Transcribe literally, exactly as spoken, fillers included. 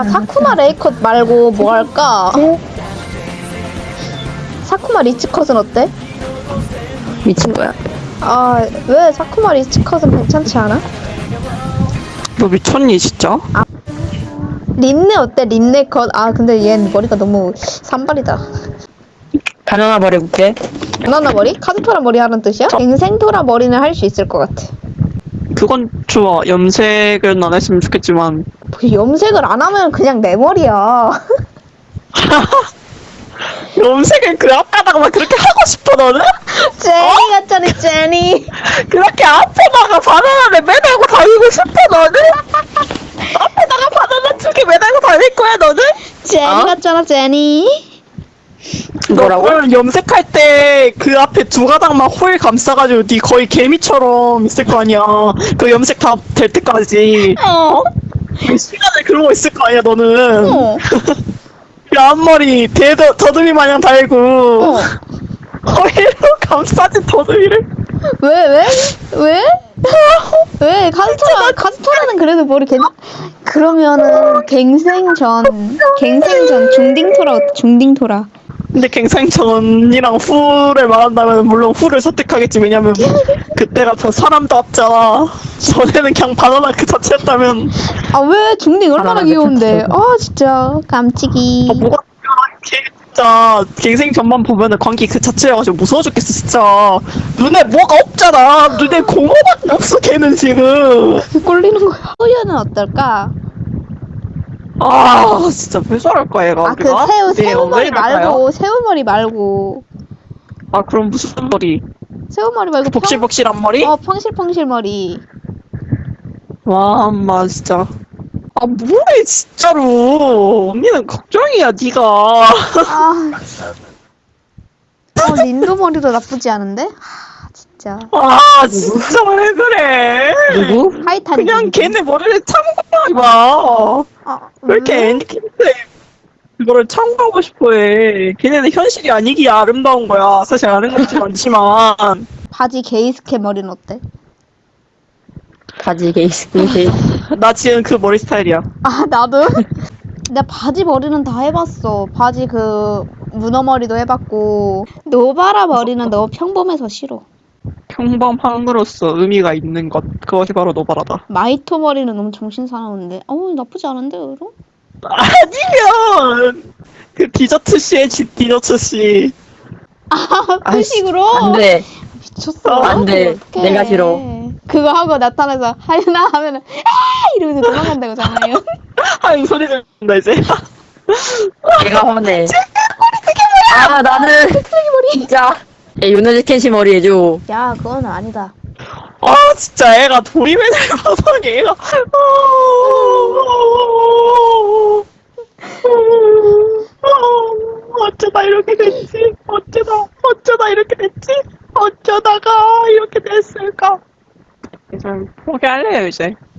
야, 사쿠마 레이컷 말고 뭐 할까? 사쿠마 리치컷은 어때? 미친 거야. 아, 왜 사쿠마 리치컷은 괜찮지 않아? 너 미쳤니 진짜? 린네 어때? 린네 컷. 아, 근데 얘 머리가 너무 산발이다. 바나나 버려볼게. 바나나 머리? 카드토라 머리 하는 뜻이야? 갱생토라 머리는 할 수 있을 것 같아. 그건 좋아. 염색은 안 했으면 좋겠지만. 그 염색을 안 하면 그냥 내 머리야. 염색을 그 앞에다가 그렇게 하고 싶어 너는? 제니 같잖아, 제니. 그렇게 앞에다가 바나나를 매달고 다니고 싶어 너는? 앞에다가 바나나 두 개 매달고 다닐 거야 너는? 제니 어? 같잖아, 제니. 뭐라고? 너는 염색할 때 그 앞에 두 가닥만 홀 감싸가지고 네 거의 개미처럼 있을 거 아니야. 그 염색 다 될 때까지. 어. 그 시간을 그러고 있을 거 아니야 너는. 어. 그 앞머리 대더 더듬이 마냥 달고 어. 허리로 감싸진 더듬이를. 왜, 왜? 왜? 왜? 카스토라, 카스토라는 그래도 머리 괜찮, 그러면은, 갱생전, 갱생전, 중딩토라, 어때? 중딩토라. 근데 갱생전이랑 후를 말한다면 물론 후를 선택하겠지. 왜냐면 그때 같은 사람도 없잖아. 전에는 그냥 바나나 그 자체였다면. 아, 왜? 중딩 얼마나 바나나 귀여운데. 그 아, 진짜. 깜찍이. 아, 뭐가 걔 진짜 갱생전만 보면은 광기 그 자체여가지고 무서워 죽겠어 진짜. 눈에 뭐가 없잖아. 눈에 공허밖에 없어 걔는 지금. 꼴리는 거야. 소유는 어떨까? 아 진짜 왜 저럴까 얘가. 아, 그 우리가? 새우, 네, 새우머리 왜 이럴까요? 말고, 새우머리 말고. 아 그럼 무슨 머리? 새우머리 말고. 평- 복실복실한 머리? 어, 펑실펑실 머리. 와, 엄마 진짜. 아, 뭐해 진짜로. 언니는 걱정이야, 네가. 아. 어, 린도 머리도 나쁘지 않은데? 하, 진짜. 아, 진짜 왜 그래? 누구? 하이탄. 그냥 걔네 머리를 참고해 봐. 아, 왜 이렇게 애니키인데 그거를 참고하고 싶어해? 걔네는 현실이 아니기에 아름다운 거야. 사실 아는 것도 많지만. 바지 게이스케 머리는 어때? 바지 게이스키 게이스. 나 지금 그 머리 스타일이야. 아, 나도? 나 바지 머리는 다 해봤어. 바지 그 문어 머리도 해봤고. 노바라 머리는 너무 평범해서 싫어. 평범한 거로서 의미가 있는 것. 그것이 바로 노바라다. 마이토 머리는 너무 정신 사나운데. 어우, 나쁘지 않은데, 그럼? 아니면 그 디저트 씨의 집 디저트 씨. 아, 그 아이씨, 식으로? 안 돼. 미쳤어. 안 돼. 어떡해. 내가 싫어. 그거 하고 나타나서 하나 하면은 아 이러면서 도망간다고 잖아요. 하는 소리 들린다 이제. 내가 화내. 아 나는 진짜. 야 요네즈 켄시 머리 해줘. 야, 그거는 아니다. 아 진짜 애가 도리맨을 봐서 얘가. 어쩌다 이렇게 됐지? 어쩌다 어쩌다 이렇게 됐지? 어쩌다가 이렇게 됐을까? 이제 포기할래요 이제.